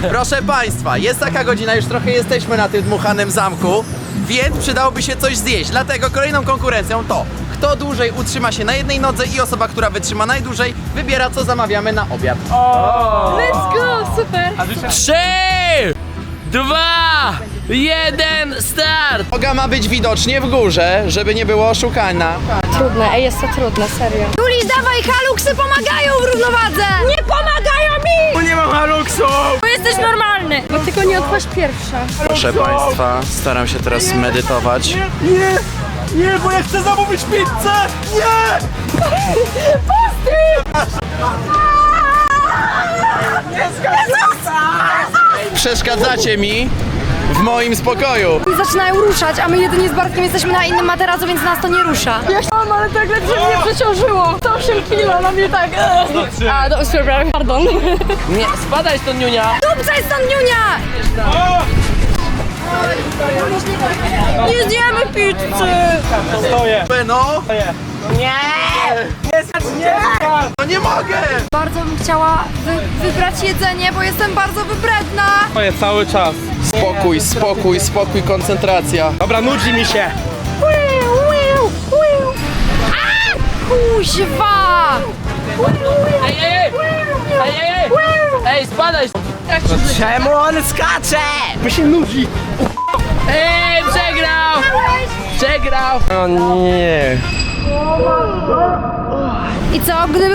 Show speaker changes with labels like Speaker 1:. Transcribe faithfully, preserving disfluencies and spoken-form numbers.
Speaker 1: Proszę Państwa, jest taka godzina, już trochę jesteśmy na tym dmuchanym zamku, więc przydałoby się coś zjeść. Dlatego kolejną konkurencją to, kto dłużej utrzyma się na jednej nodze i osoba, która wytrzyma najdłużej, wybiera, co zamawiamy na obiad.
Speaker 2: Let's go, super!
Speaker 3: Trzy, dwa, jeden, start!
Speaker 1: Noga ma być widocznie w górze, żeby nie było oszukana.
Speaker 2: Trudne, ej, jest to trudne, serio. Juli, dawaj, haluksy pomagają w równowadze! Nie pomagają mi!
Speaker 3: Nie mam haluksu!
Speaker 2: Bo jesteś normalny! No tylko nie odpaść pierwsza.
Speaker 1: Proszę Państwa, staram się teraz medytować.
Speaker 3: Nie, nie, bo ja chcę zamówić pizzę! Nie!
Speaker 1: Przeszkadzacie mi w moim spokoju.
Speaker 2: Zaczynają ruszać, a my jedynie z Bartkiem jesteśmy na innym materacu, więc nas to nie rusza. Ja chciałam, ale tak ledwie mnie przeciążyło. sto osiem kilo na mnie tak. A, do, przepraszam, pardon.
Speaker 3: Nie, spadaj stąd, Niunia!
Speaker 2: Dupca jest stąd, Niunia! Nie zjemy pizzy!
Speaker 3: Stoję!
Speaker 1: No,
Speaker 3: Nie! Nie!
Speaker 1: no nie mogę!
Speaker 2: Bardzo bym chciała wy wybrać jedzenie, bo jestem bardzo wybredna.
Speaker 3: Stoję cały czas.
Speaker 1: Spokój, spokój, spokój, koncentracja.
Speaker 3: Dobra, nudzi mi się.
Speaker 2: A! Kuźwa!
Speaker 3: Ej, ej, ej! Ej, ej, ej! Ej, spadaj! Czemu on skacze? Bo się nudzi. Ej, przegrał! Przegrał! O nie!
Speaker 2: I co, gdyby